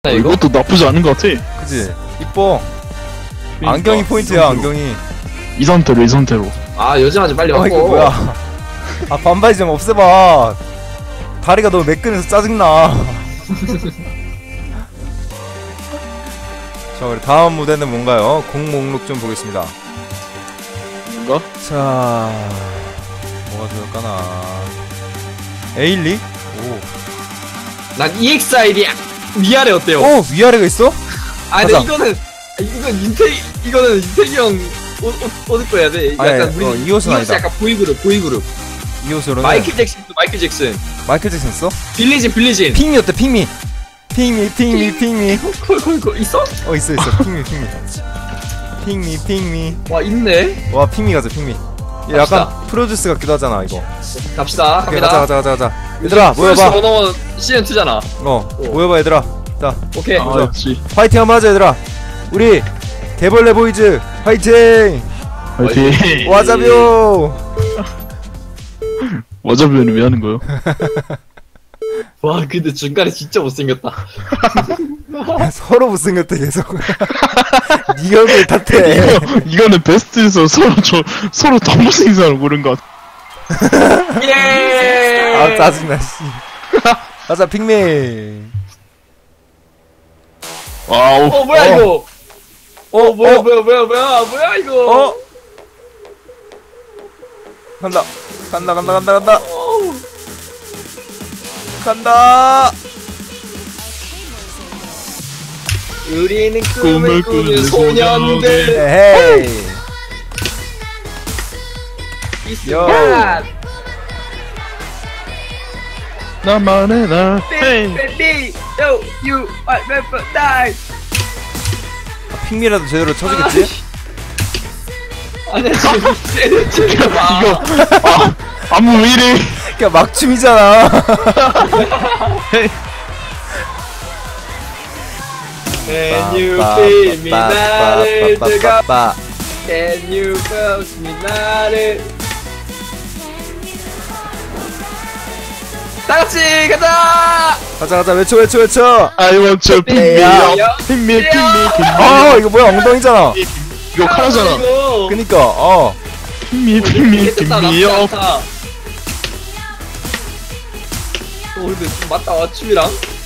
이거? 이것도 나쁘지 않은 것 같아. 그치? 이뻐. 그러니까, 안경이 포인트야, 안경이. 이 상태로. 아 요즘아지 빨리 이거 왔고. 뭐야? 아, 반바지 좀 없애봐. 다리가 너무 매끈해서 짜증나. 자, 우리 다음 무대는 뭔가요? 곡 목록 좀 보겠습니다. 뭔가? 자, 뭐가 좋을까나. 에일리? 난 EXID 위아래 어때요? 오! 위아래가 있어? 아 근데 가자. 이거는 윤택이 형 옷 입고 해야 돼. 아니, 약간 우리 이 옷은 아니다. 약간 보이그룹. 이 옷으로는 마이클 잭슨. 마이클 잭슨 써? 빌리진. 핑미 어때? 핑미 콜 있어? 있어 핑미 와 있네. 와 핑미 가자 핑미. 얘 약간 프로듀스 같기도 하잖아 이거. 갑시다. 오케이, 갑니다. 가자 얘들아 모여봐. 원어원 시즌 2잖아. 모여봐 얘들아. 자 오케이. 아, 역시. 파이팅 한번 하자 얘들아. 우리 개벌레 보이즈 파이팅. 화이팅. 와자비오. 와자비는 왜 하는 거요? 와 근데 중간에 진짜 못생겼다. 서로 못생겼대 계속. 니 얼굴 탓해. 이거는 베스트에서 서로 더 못생긴 사람 고른 것 같아. 예. 아 짜증나 씨. 가자 핑미. 와우. 뭐야 이거? 뭐야 이거? 간다. 간다. 우리는 꿈을 꿈을 꾸는 꾸는 소년들. 에헤이. 이 순간. 나만의 나. 헤이. Baby, yo, you are never die. 핑미라도 제대로 쳐주겠지? 아니야 지금 이거 안무 왜 이래? 그냥 막춤이잖아. Can you feel me 나를 뜨겁 Can you feel me 나를 다같이 가자. 가자 외쳐. I want to pick me 야. up. Pick me. 이거 뭐야 엉덩이잖아. 이거 카라잖아. 이거 그니까 Pick me up. 근데 좀 맞다 와 춤이랑.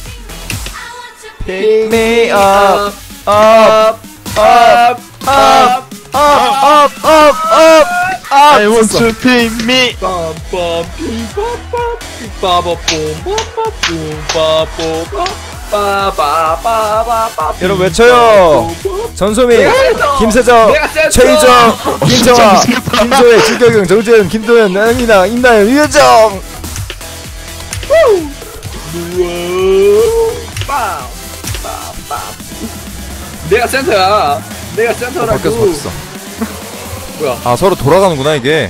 Pick me up. I want to pick me. 여러분 외쳐요. 전소민, 김세정, 최희정, 김정아, 김소혜, 주경영, 정재현, 김도현, 나영이나, 임나연, 유혜정. 내가 센터야. 내가 센터라고. 바뀌었어. 뭐야? 아 서로 돌아가는구나 이게.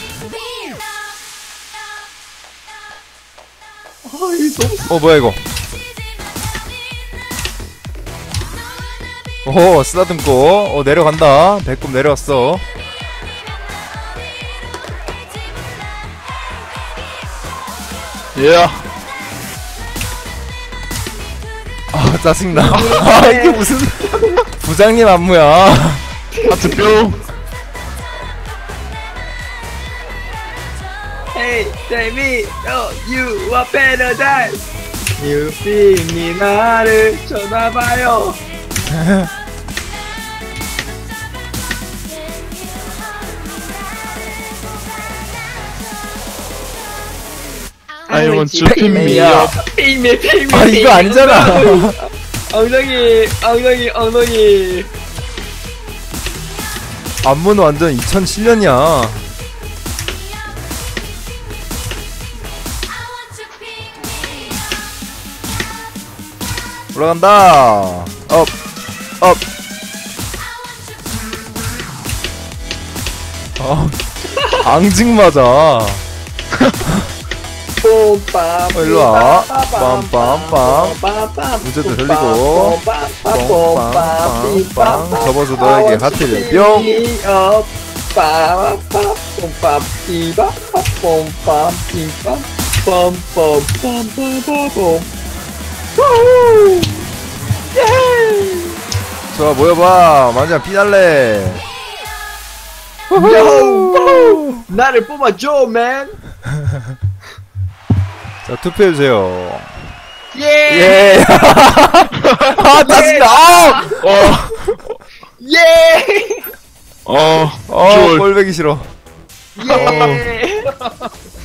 뭐야 이거? 오 쓰다듬고 내려간다. 배꼽 내려왔어. 예. 아 짜증나. 아 이게 무슨 부장님 안무야. 하트 뿅. Hey, baby, you are paradise. You feel me 나를 쳐다봐요. I want to pick me up. Pick me. 아 이거 아니잖아. 엉덩이. 안무는 완전 2007년이야. 올라간다. 업. 앙증 맞아. 일로와. 빰빰빰. 무제도 흘리고. 빰빰빰빰. 접어서 너에게 하트를 뿅. 좋아 모여봐 완전 피날레. 요! 나를 뽑아줘, 맨! 자 투표해주세요. 예! 예. 아 짜증나. 예! 좋아. 꼴배기 싫어. 예!